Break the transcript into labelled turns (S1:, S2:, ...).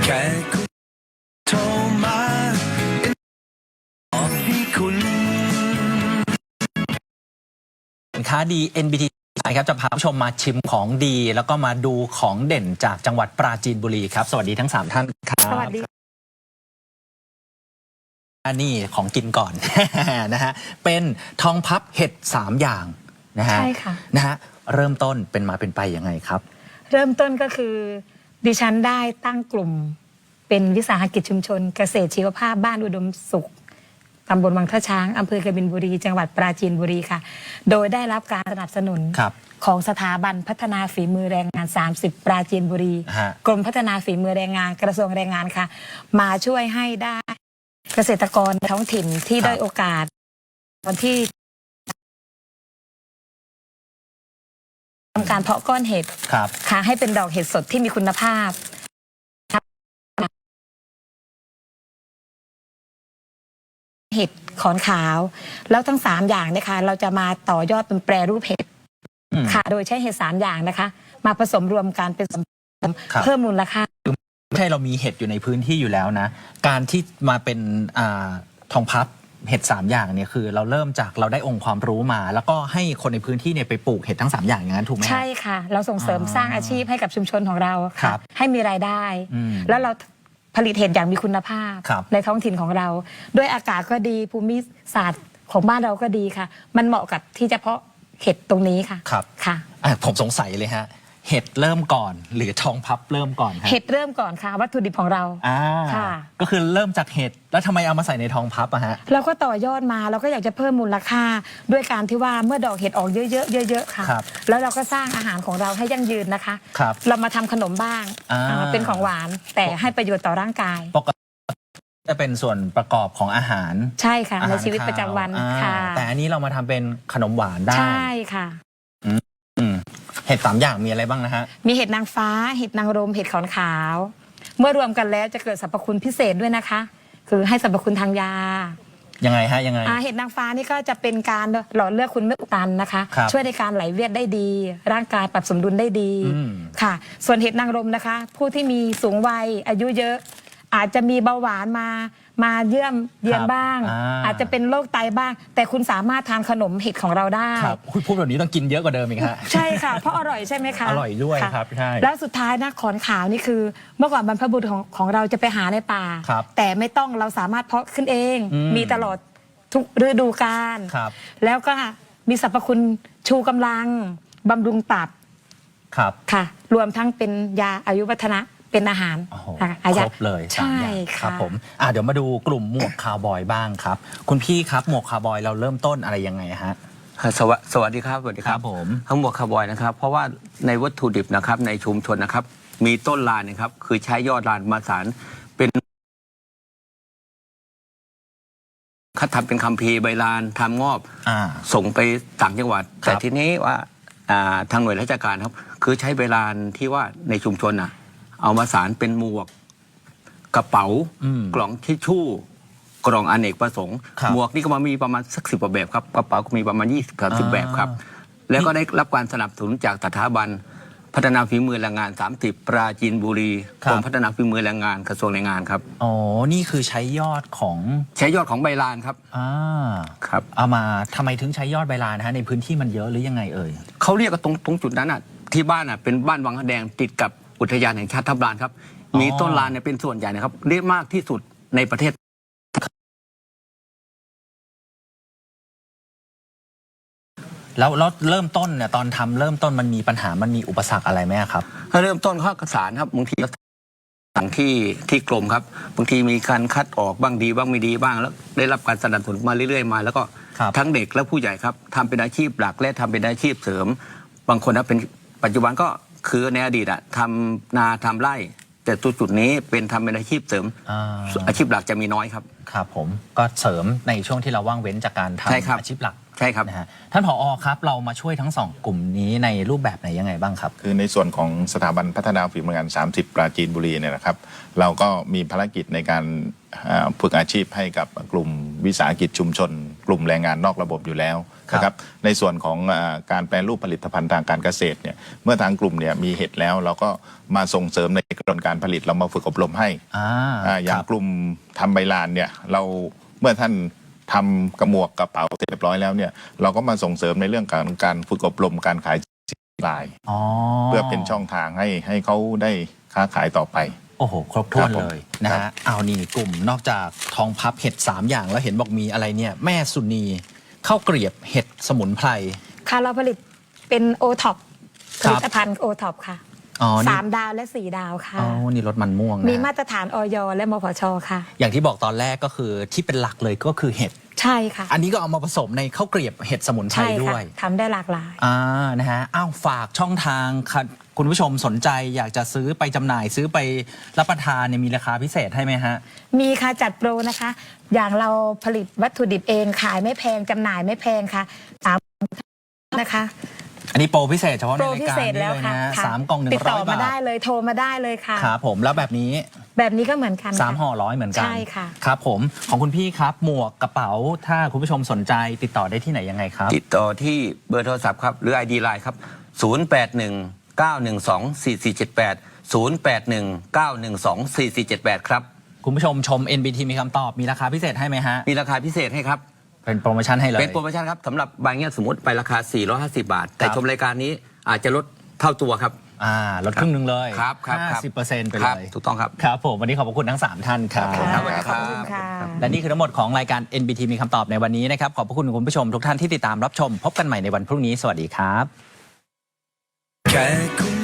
S1: แค่คุณโทรมาบอกให้คุณ
S2: สินค้าดี NBT ครับจะพาผู้ชมมาชิมของดีแล้วก็มาดูของเด่นจากจังหวัดปราจีนบุรีครับสวัสดีทั้ง3ท่านครับ
S3: สวัสดี
S2: นี่ของกินก่อน นะฮะเป็นทองพับเห็ด3อย่างนะฮะ
S3: ใช่ค่ะ
S2: นะฮะเริ่มต้นเป็นมาเป็นไปยังไงครับ
S3: เริ่มต้นก็คือดิฉันได้ตั้งกลุ่มเป็นวิสาหกิจชุมชนเกษตรชีวภาพบ้านอุดมสุขตำบลวังท่าช้างอำเภอกบินบุรีจังหวัดปราจีนบุรีค่ะโดยได้รับการสนับสนุนของสถาบันพัฒนาฝีมือแรงงาน30ปราจีนบุรีกรมพัฒนาฝีมือแรงงานกระทรวงแรงงานค่ะมาช่วยให้ได้เกษตรกรท้องถิ่นที่ได้โอกาสตอนที่ทำการเพาะก้อนเห็ดค่ะให้เป็นดอกเห็ดสดที่มีคุณภาพเห็ดขอนขาวแล้วทั้ง3อย่างนะคะเราจะมาต่อยอดเป็นแปรรูปเห็ดค่ะโดยใช้เห็ด3อย่างนะคะมาผสมรวมกันเป็นเพิ่มมูลค่า
S2: ไม่ใช่เรามีเห็ดอยู่ในพื้นที่อยู่แล้วนะการที่มาเป็นทองพับเห็ด3อย่างเนี่ยคือเราเริ่มจากเราได้องค์ความรู้มาแล้วก็ให้คนในพื้นที่เนี่ยไปปลูกเห็ดทั้ง3อย่างอย่างนั้นถูกไหม
S3: ใช่ค่ะเราส่งเสริมสร้างอาชีพให้กับชุมชนของเราค่ะให้มีรายได้แล้วเราผลิตเห็ดอย่างมีคุณภาพในท้องถิ่นของเราด้วยอากาศก็ดีภูมิศาสตร์ของบ้านเราก็ดีค่ะมันเหมาะกับที่จะเพาะเห็ดตรงนี้ค่ะ
S2: ครับ
S3: ค่ะ
S2: ผมสงสัยเลยฮะเห็ดเริ่มก่อนหรือทองพับเริ่มก่อนครับ
S3: เห็ดเริ่มก่อนค่ะวัตถุดิบของเรา
S2: ค่ะก็คือเริ่มจากเห็ดแล้วทำไมเอามาใส่ในทองพับอะฮะ
S3: เราก็ต่อยอดมาเราก็อยากจะเพิ่มมูลค่าด้วยการที่ว่าเมื่อดอกเห็ดออกเยอะๆเยอะๆค่ะแล้วเราก็สร้างอาหารของเราให้ยั่งยืนนะคะเรามาทำขนมบ้างเป็นของหวานแต่ให้ประโยชน์ต่อร่างกาย
S2: ปกติจะเป็นส่วนประกอบของอาหาร
S3: ใช่ค่ะในชีวิตประจำวันค่ะ
S2: แต่อันนี้เรามาทำเป็นขนมหวานได้
S3: ใช่ค่ะ
S2: เห็ด3อย่างมีอะไรบ้างนะฮะ
S3: มีเห็ดนางฟ้าเห็ดนางรมเห็ดขอนขาวเมื่อรวมกันแล้วจะเกิดสรรพคุณพิเศษด้วยนะคะคือให้สรรพคุณทางยา
S2: ยังไงฮะยังไง
S3: เห็ดนางฟ้านี่ก็จะเป็นการหล่อเลือดคุณไม่อุดตันนะคะช่วยในการไหลเวียนได้ดีร่างกายปรับสมดุลได้ดีค่ะส่วนเห็ดนางรมนะคะผู้ที่มีสูงวัยอายุเยอะอาจจะมีเบาหวานมาเยี่ยมเยียนบ้างอาจจะเป็นโรคไตบ้างแต่คุณสามารถทานขนมเห็ดของเราได้
S2: คุณพูดแบบนี้ต้องกินเยอะกว่าเดิมอีกฮะ
S3: ใช่ค่ะเพราะอร่อยใช่ไหมคะ
S2: อร่อยด้วยครับใช่
S3: แล้วสุดท้ายนะขอนขาวนี่คือเมื่อก่อนบรรพบุรุษของเราจะไปหาในป่าแต่ไม่ต้องเราสามารถเพาะขึ้นเองมีตลอดทุกฤดูกาลแล้วก็มีสรรพคุณชูกำลังบำรุงตับค่ะรวมทั้งเป็นยาอายุวัฒนะเป็นอาหาร
S2: ครบเลย
S3: ใช่
S2: ครับผมเดี๋ยวมาดูกลุ่มหมวกคาวบอยบ้างครับคุณพี่ครับหมวกคาวบอยเราเริ่มต้นอะไรยังไงฮะ
S4: สวัสดีครับสวัสดีครับ
S2: ผม
S4: ทั้งหมวกคาวบอยนะครับเพราะว่าในวัตถุดิบนะครับในชุมชนนะครับมีต้นลานนะครับคือใช้ยอดลานมาสารเป็นคัดทำเป็นคัมภีร์ใบลานทำงอบส่งไปต่างจังหวัดแต่ทีนี้ว่าทางหน่วยราชการครับคือใช้ใบลานที่ว่าในชุมชนเอามาสารเป็นหมวกกระเป๋ากล่องทิชชู่กล่องอเนกประสงค์หมวกนี่ก็มามีประมาณสัก10 กว่าแบบครับกระเป๋าก็มีประมาณ20-30 แบบครับแล้วก็ได้รับการสนับสนุนจากสถาบันพัฒนาฝีมือแรงงาน30ปราจีนบุรีกรมพัฒนาฝีมือแรงงานกระทรวงแรงงานครับ
S2: อ๋อนี่คือใช้ยอดของ
S4: ใบลานครับ
S2: ครับเอามาทำไมถึงใช้ยอดใบลานฮะในพื้นที่มันเยอะหรือยังไงเอ่ย
S4: เขาเรียกกันตรงจุดนั้นที่บ้านเป็นบ้านวังแดงติดกับอุทยานแห่งชาติทับลานครับมีต้นลานเป็นส่วนใหญ่นะครับเรียกมากที่สุดในประเทศ
S2: แล้วเริ่มต้นเนี่ยตอนทำเริ่มต้นมันมีปัญหามันมีอุปสรรคอะไรไหมครับ
S4: เริ่มต้นข้อกระสานครับบางทีสั่งที่กรมครับบางทีมีการคัดออกบ้างดีบ้างไม่ดีบ้างแล้วได้รับการสนับสนุนมาเรื่อยๆมาแล้วก็ทั้งเด็กและผู้ใหญ่ครับทำเป็นอาชีพหลักและทำเป็นอาชีพเสริมบางคนเป็นปัจจุบันก็คือในอดีตทำนาทำไร่แต่จุดนี้เป็นทำเป็นอาชีพเสริมอาชีพหลักจะมีน้อยครับ
S2: ครับผมก็เสริมในช่วงที่เราว่างเว้นจากการทำอาชีพหลัก
S4: ใช่ครับ
S2: นะฮะท่านผอครับเรามาช่วยทั้งสองกลุ่มนี้ในรูปแบบไหนยังไงบ้างครับ
S5: คือในส่วนของสถาบันพัฒนาฝีมืองาน 30 ปราจีนบุรีเนี่ยนะครับ เราก็มีภารกิจในการฝึกอาชีพให้กับกลุ่มวิสาหกิจชุมชน กลุ่มแรงงานนอกระบบอยู่แล้วนะครับในส่วนของการแปรรูปผลิตภัณฑ์ทางการเกษตรเนี่ยเมื่อทางกลุ่มเนี่ยมีเห็ดแล้วเราก็มาส่งเสริมในกระบวนการผลิตเรามาฝึกอบรมให้อย่างกลุ่มทำใบลานเนี่ยเราเมื่อท่านทำกระหมวกกระเป๋าเสร็จเรียบร้อยแล้วเนี่ยเราก็มาส่งเสริมในเรื่องการฝึกอบรมการขายลายเพื่อเป็นช่องทางให้เขาได้ค้าขายต่อไป
S2: โอ้โหครบถ้วนเลยนะฮะเอานี่กลุ่มนอกจากทองพับเห็ด3อย่างแล้วเห็นบอกมีอะไรเนี่ยแม่สุนีข้าวเกลียบเห็ดสมุนไพร
S3: ค่ะเราผลิตเป็นโอท็อปผลิตภัณฑ์โอท็อปค่ะ3 ดาวและ4 ดาวค่ะ
S2: อ๋อนี่รสมันม่วง
S3: มีมาตรฐานอย.และมพช.ค่ะ
S2: อย่างที่บอกตอนแรกก็คือที่เป็นหลักเลยก็คือเห็ด
S3: ใช่ค่ะ
S2: อันนี้ก็เอามาผสมในข้าวเกลียบเห็ดสมุนไพรด้วย
S3: ทำได้หลากหลาย
S2: นะฮะฝากช่องทางคุณผู้ชมสนใจอยากจะซื้อไปจำหน่ายซื้อไปรับประทานเนี่ยมีราคาพิเศษให้ไหมฮะ
S3: มีค่ะจัดโปรนะคะอย่างเราผลิตวัตถุดิบเองขายไม่แพงจำหน่ายไม่แพงค่ะนะคะ
S2: อันนี้โปรพิเศษเฉพาะในรายการนี้เลยนะ3 กล่อง100 บาท
S3: ติดต่อมาได้เลยโทรมาได้เลยค่ะ
S2: ครับผมแล้วแบบนี้
S3: ก็เหมือนกัน
S2: 3 ห่อ100เหมือนกัน
S3: ใช่ค่ะ
S2: ครับผมของคุณพี่ครับหมวกกระเป๋าถ้าคุณผู้ชมสนใจติดต่อได้ที่ไหนยังไงครับ
S4: ติดต่อที่เบอร์โทรศัพท์ครับหรือ ID Line ครับ0819124478 0819124478ครับ
S2: คุณผู้ชมชม NBT มีคำตอบมีราคาพิเศษให้ไหมฮะ
S4: มีราคาพิเศษให้ครับ
S2: เป็นโปรโมชั่นให้เลย
S4: เป็นโปรโมชั่นครับสำหรับบางอย่างสมมติไปราคา450 บาทแต่ชมรายการนี้อาจจะลดเท่าตัวครับ
S2: ลดครึ่งนึงเลย
S4: ครับ
S2: 50%ไปเลย
S4: ถูกต้องครับ
S2: ครับผมวันนี้ขอบคุณทั้ง3ท่านครับ
S4: สวัสดีครับ
S2: และนี่คือทั้งหมดของรายการ NBT มีคำตอบในวันนี้นะครับขอบคุณคุณผู้ชมทุกท่านที่ติดตามรับชมพบกันใหม่ในวันพรุ่งนี้สวัสดีครับ